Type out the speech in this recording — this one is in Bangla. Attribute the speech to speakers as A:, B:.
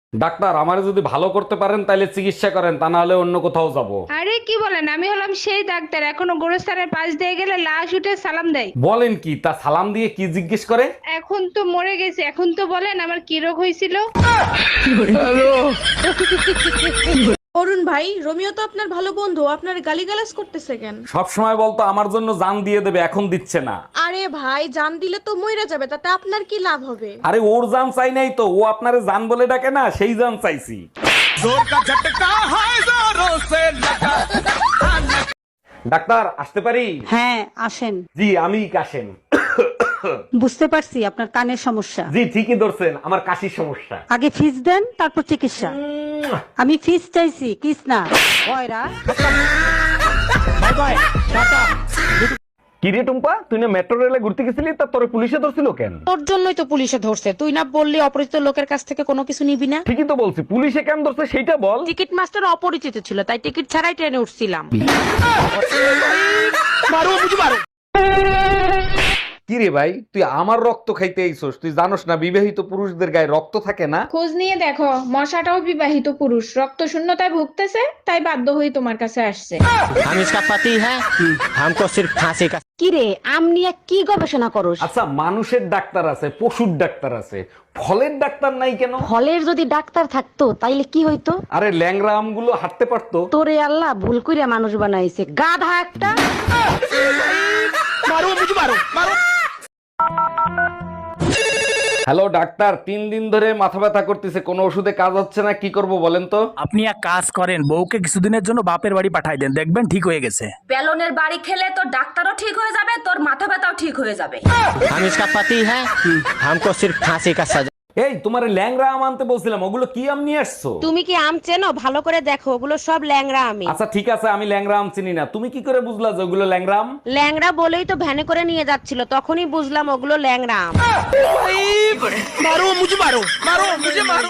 A: ডাক্তার, আমারে যদি ভালো করতে পারেন তাহলে চিকিৎসা করেন, তা না হলে অন্য কোথাও যাব।
B: আরে কি বলেন, আমি হলাম সেই ডাক্তার এখনো গোরস্থানের পাশ দিয়ে গেলে লাশ উঠে সালাম দেয়।
A: বলেন কি? তা সালাম দিয়ে কি জিজ্ঞেস করে?
B: এখন তো মরে গেছে, এখন তো বলেন আমার কি রোগ হয়েছিল।
C: অরুণ ভাই, রোমিও তো আপনার ভালো বন্ধু, আপনার গালিগালাজ করতেছে কেন?
A: সব সময় বলতো আমার জন্য জান দিয়ে দেবে, এখন দিচ্ছে না।
C: আরে ভাই, জান দিলে তো মইরা যাবে, তাতে আপনার কি লাভ হবে?
A: আরে ওর জান চাই নাই তো, ও আপনারে জান বলে ডাকে না, সেই জান চাইছি। ডাক্তার, আসতে পারি?
D: হ্যাঁ আসেন।
A: জি, আমি কাশেম।
D: বুঝতে পারছি আপনার কানের সমস্যা।
A: জি, ঠিকই ধরছেন, আমার কাশির সমস্যা।
D: আগে ফিস দেন, তারপর চিকিৎসা। আমি ফিস চাইছি, কিস না। ওইরা
A: কিরে টুম্পা, তুই না মেট্রো রেলে ঘুরতে গেছিলি, তা তোরে পুলিশে ধরছিল কেন?
E: তোর জন্যই তো পুলিশে ধরছে, তুই না বললি অপরিচিত লোকের কাছ থেকে কোনো কিছু নিবি না।
A: ঠিকই তো বলছি, পুলিশে কেন ধরছে সেইটা বল।
E: টিকিট মাস্টার অপরিচিত ছিল, তাই টিকিট ছাড়াই ট্রেনে উঠছিলাম।
A: কিরে ভাই, তুই আমার রক্ত খাইতে আইছস? তুই জানোস না বিবাহিত পুরুষদের গায়ে রক্ত থাকে না?
B: খোঁজ নিয়ে দেখো, মশাটাও বিবাহিত পুরুষ, রক্ত শূন্যতায় ভুগতেছে, তাই বাধ্য হয়ে তোমার কাছে আসছে।
F: हम इसका पति है, हमको सिर्फ फांसी का।
D: কি রে, আম নিয়ে কি গবেষণা করস?
A: আচ্ছা, মানুষের ডাক্তার আছে, পশুর ডাক্তার আছে, ফলের ডাক্তার নাই কেন?
D: ফলের যদি ডাক্তার থাকতো তাইলে কি হইতো?
A: আরে ল্যাংড়া আমগুলো হাঁটতে পারতো।
D: তোরে আল্লাহ ভুল কইরা মানুষ বানাইছে, গাধা একটা।
A: হ্যালো ডাক্তার, 3 দিন ধরে মাথা ব্যথা করতেছে, কোনো ওষুধে কাজ হচ্ছে না, কি করব বলেন তো?
G: আপনি এক কাজ করেন, বউকে কিছুদিনের জন্য বাপের বাড়ি পাঠাই দেন, দেখবেন ঠিক হয়ে গেছে।
H: বেলনের বাড়ি খেলে তোর ডাক্তারও ঠিক হয়ে যাবে, তোর মাথা ব্যথাও ঠিক হয়ে যাবে।
F: हम इसका पति है, हमको सिर्फ फांसी का सजा।
A: এই, তোমার ল্যাংড়া আম আনতে বলছিলাম, ওগুলো কি আম নিয়ে আসছো?
E: তুমি কি আম চেনো? ভালো করে দেখো, ওগুলো সব ল্যাংড়া আমি।
A: আচ্ছা ঠিক আছে, আমি ল্যাংড়া আম চিনি না, তুমি কি করে বুঝলা যে ওগুলো ল্যাংড়া আম?
E: ল্যাংড়া বলেই তো ভ্যানে করে নিয়ে যাচ্ছিল, তখনই বুঝলাম ওগুলো ল্যাংড়া আম।